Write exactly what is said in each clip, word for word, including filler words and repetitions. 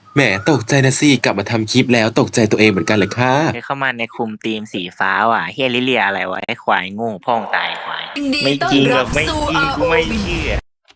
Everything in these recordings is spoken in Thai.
แหมตกใจนะสิกลับมาทำคลิปแล้วตกใจตัวเองเหมือนกันเลยค่ะเข้ามาในคุมทีมสีฟ้าว่ะเฮียลิเลียอะไรวะไอ้ควายโง่พ่องตายควายไม่จริงแบบไม่จริงกูไม่เชื่อ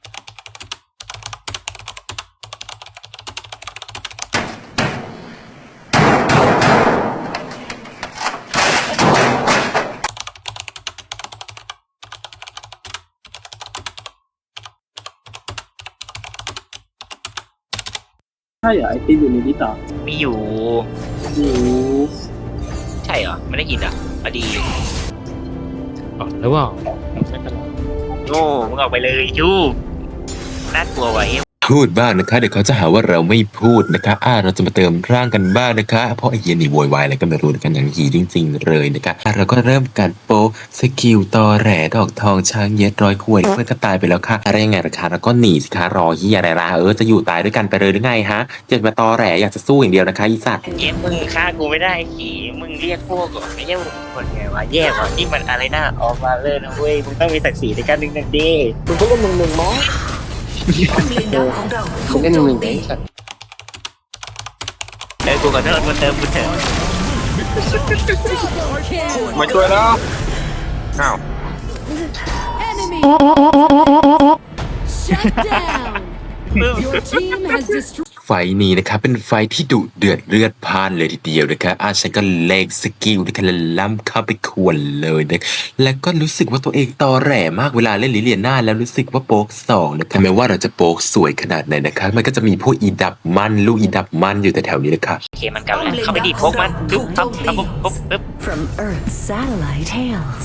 ใช่เหรอไอติมอยู่ในนี้ต่อไม่อยู่อยู่ใช่เหรอไม่ได้ยินอ่ะอดีอ๋อหรือเปล่าโง่มึงออกไปเลยชูน่ากลัวไว้พูดบ้างนะคะเดี๋ยวเขาจะหาว่าเราไม่พูดนะคะอ่าเราจะมาเติมร่างกันบ้างนะคะเพราะไอ้เหี้ยนี่โวยวายอะไรก็ไม่รู้กันอย่างหีจริงๆเลยนะคะอ่ะเราก็เริ่มการโปสกิลตอแหลดอกทองช้างเย็ดร้อยขวดเพื่อนก็ตายไปแล้วค่ะอะไรยังไงราคาแล้วก็หนีสิคะรอเฮียอะไรล่ะเออจะอยู่ตายด้วยกันไปเลยหรือไงฮะจะมาตอแหลอยากจะสู้อย่างเดียวนะคะอีสัตว์เย้มึงฆ่ากูไม่ได้ขี่มึงเรียกพวกก่อนไม่ใช่คนไงวะแย่ว่ะนี่มันอะไรนะออกมาเลยนะเว้ยมึงต้องมีศักดิ์ศรีในการดึงหนึ่งดีมึงก็มึงมึงมอผมเล่นหนึ่งเองสัตว์เออกูขอโทษกูเติมกูเติมมาช่วยแล้วอ้าวไฟนี้นะคะเป็นไฟที่ดุเดือดเลือดพล่านเลยทีเดียวนะคะอาฉันก็เลงสกิลนะคะแล้วล้ำเข้าไปขวนเลยนะแล้วก็รู้สึกว่าตัวเองตอแหลมากเวลาเล่นลิเลียน่าแล้วรู้สึกว่าโป๊กสองนะคะแม้ว่าเราจะโป๊กสวยขนาดไหนนะคะมันก็จะมีพวกอีดับมันลูกอีดับมันอยู่แต่แถวนี้นะคะโอเคมันกลับแล้วเข้าไปดีพกมันปึ๊บปั๊บปั๊บปุ๊บปึ๊บ From Earth's satellite hails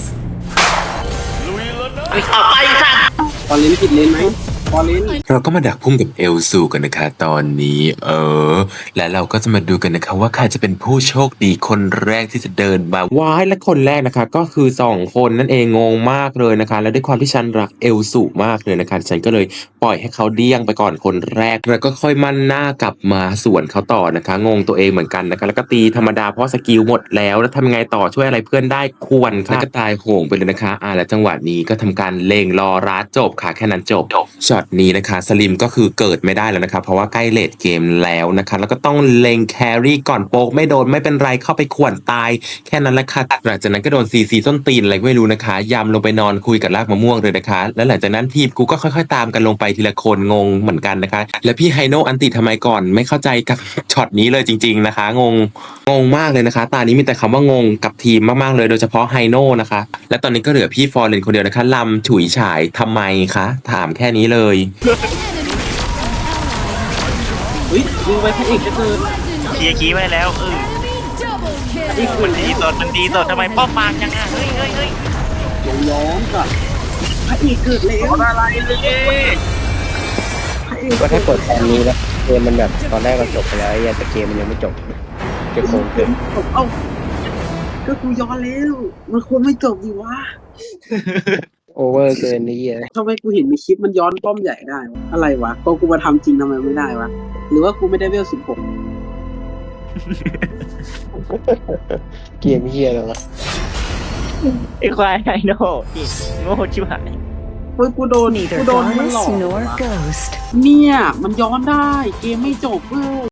เอาไปสัตว์ตอนเล่นผิดเลนไหมตอนเล่นเราก็มาดักพุ่งกับเอลซูกันนะคะตอนนี้เออและเราก็จะมาดูกันนะคะว่าใครจะเป็นผู้โชคดีคนแรกที่จะเดินมาว้ายและคนแรกนะคะก็คือสองคนนั่นเองงงมากเลยนะคะและด้วยความที่ฉันรักเอลซูมากเลยนะคะฉันก็เลยปล่อยให้เขาเดี้ยงไปก่อนคนแรกแล้วก็ค่อยมั่นหน้ากลับมาสวนเขาต่อนะคะงงตัวเองเหมือนกันนะคะแล้วก็ตีธรรมดาเพราะสกิลหมดแล้วแล้วทำยังไงต่อช่วยอะไรเพื่อนได้ควรค่ะแล้วก็ตายโหงไปเลยนะคะอ่าและจังหวะนี้ก็ทำการเล็งรอรัดจบค่ะแค่นั้นจบช็อตนี้นะคะสลิมก็คือเกิดไม่ได้แล้วนะคะเพราะว่าใกล้เลทเกมแล้วนะคะแล้วก็ต้องเล็งแครี่ก่อนโป๊กไม่โดนไม่เป็นไรเข้าไปข่วนตายแค่นั้นแหละค่ะหลังจากนั้นก็โดนซีซีส้นตีนอะไรไม่รู้นะคะยำลงไปนอนคุยกับรากมะม่วงเลยนะคะแล้วหลังจากนั้นทีมกูก็ค่อยๆตามกันลงไปทีละคนงงเหมือนกันนะคะแล้วพี่ไฮโนอันติทำไมก่อนไม่เข้าใจกับช็อตนี้เลยจริงๆนะคะงงงงมากเลยนะคะตานี้มีแต่คำว่างงกับทีมมากๆเลยโดยเฉพาะไฮโนนะคะและตอนนี้ก็เหลือพี่ฟอร์เรนคนเดียวนะคะลำฉุยฉายทำไมคะถามแค่นี้เลยเฮ้ยยิงไปพระเอกจะเกินเคลียร์คีไว้แล้วเออมันดีสดมันดีสดทำไมป้อมปางจังอ่ะเฮ้ยเฮ้ยเฮ้ยย้อนก่อนพระเอกเกิดแล้วอะไรเลยก็ถ้าเปิดตอนนี้แล้วเกมมันแบบตอนแรกเราจบไปแล้วไอ้แต่เกมมันยังไม่จบจะโกงเกินเอ้าก็กูย้อนแล้วมันควรไม่จบดิวะโอเวอร์เกินนี้อ่ะทำไมกูเห็นมีคลิปมันย้อนป้อมใหญ่ได้วะอะไรวะก็กูมาทำจริงทำไมไม่ได้วะหรือว่ากูไม่ได้เวลสิบหกเกมเฮียแล้วล่ะไอ้ควายไฮโน่โง่ชิบหายเฮ้ยกูโดนกูโดนมันหลอกเนี่ยมันย้อนได้เกมไม่จบเว้ย